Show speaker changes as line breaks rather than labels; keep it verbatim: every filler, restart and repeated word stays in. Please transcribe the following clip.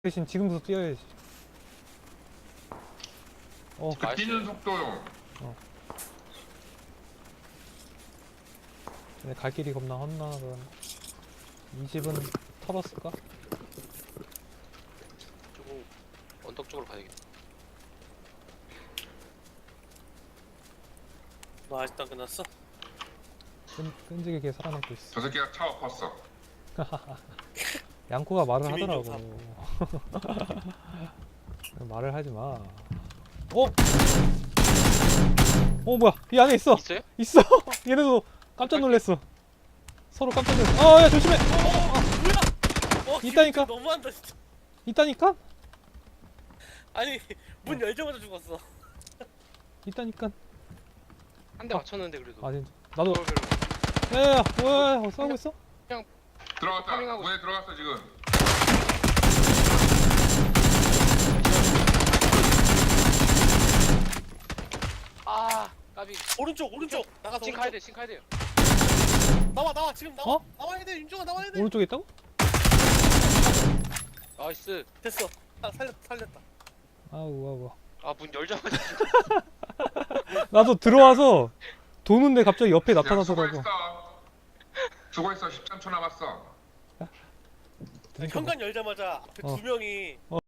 대신 지금부터 뛰어야지. 어,
그 뛰는 속도요.
근데 갈 길이 겁나 험난하다. 이 집은 털었을까?
조금 언덕 쪽으로 가야겠다. 너 아직도 안 끝났어?
끈, 끈질기게 살아남고 있어.
저 새끼가 차 엎었어.
양코가 말을
김인종
하더라고. 말을 하지 마. 어? 어 뭐야? 이 안에 있어.
있어요?
있어. 얘네도 깜짝 놀랐어. 서로 깜짝 놀랐어. 아, 야 조심해.
뭐야? 어,
있다니까?
김인종 너무한다 진짜.
있다니까?
아니 문 열자마자 죽었어.
있다니까.
한 대 맞췄는데 그래도.
아 진짜. 나도.
별로 별로.
야야야, 뭐야? 어, 싸우고 있어?
들어갔다.
파밍하고
문에 들어갔어 지금.
아 까비. 오른쪽 오른쪽. 나가서 신 가야 돼. 신 가야 돼요. 나와 나와 지금 나와.
어?
나와야 돼. 윤종아 나와야 돼.
오른쪽에 있다고?
나이스. 됐어. 아, 살렸다 살렸다.
아우 아우.
아 문 열자마자.
나도 들어와서 도는데 갑자기 옆에
야,
나타나더라고.
수고했어. 수고했어. 십삼 초 남았어.
그러니까
현관 열자마자 앞에
어.
두 명이
어.